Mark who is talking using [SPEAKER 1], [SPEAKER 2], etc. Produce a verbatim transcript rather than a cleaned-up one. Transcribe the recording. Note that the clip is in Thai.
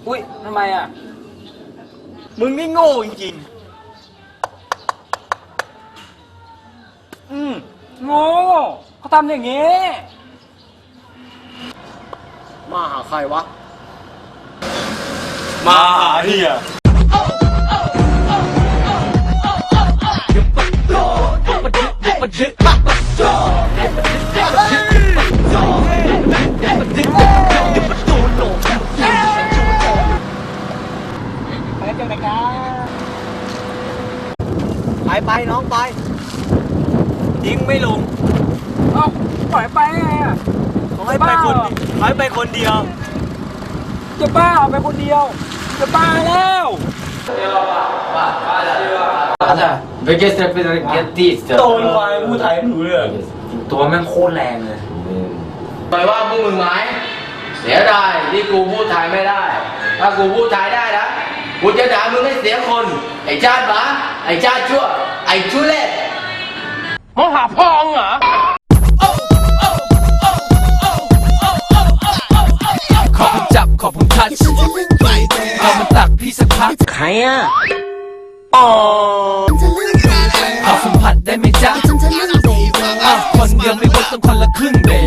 [SPEAKER 1] อุ้ยทำไมอ่ะ
[SPEAKER 2] มึงนี่โง่จริง
[SPEAKER 1] ๆอืมโง่เขาทำอย่างงี้
[SPEAKER 2] มาหาใครวะมาหาเฮีย
[SPEAKER 1] ไปเจอกันกัน
[SPEAKER 2] ไปไปน้องไปทิ้งไม่ลง
[SPEAKER 1] เอ้าปล่อยไปไงอ่ะ
[SPEAKER 2] เขาให้ไปคนเขาให้ไปคนเดียว
[SPEAKER 1] จะบ้าไปคนเดียวจะบ้าแล้วโดนควายพูดไทยไม่รู้เรื่องตัวแม่งโคตรแรงเลย
[SPEAKER 3] ไปว่าพวกมึงไหมเสียดายที่กูพูดไทยไม่ได้ถ้ากูพูดไทยได้นะกูจะด่ามึงให้เสียคนไอ้ชาติหมาไอ้ชาติชั่วไอ้ชุเล่มองหาพ่องเหรอ
[SPEAKER 4] ขอผมจับขอผมทัชเอามันตักพี่สักพักใครอ่ะอ๋อขอสัมผัสได้ไหมจ๊ะอ้าวคนเดียวไม่เวิร์กต้องคนละครึ่งเบ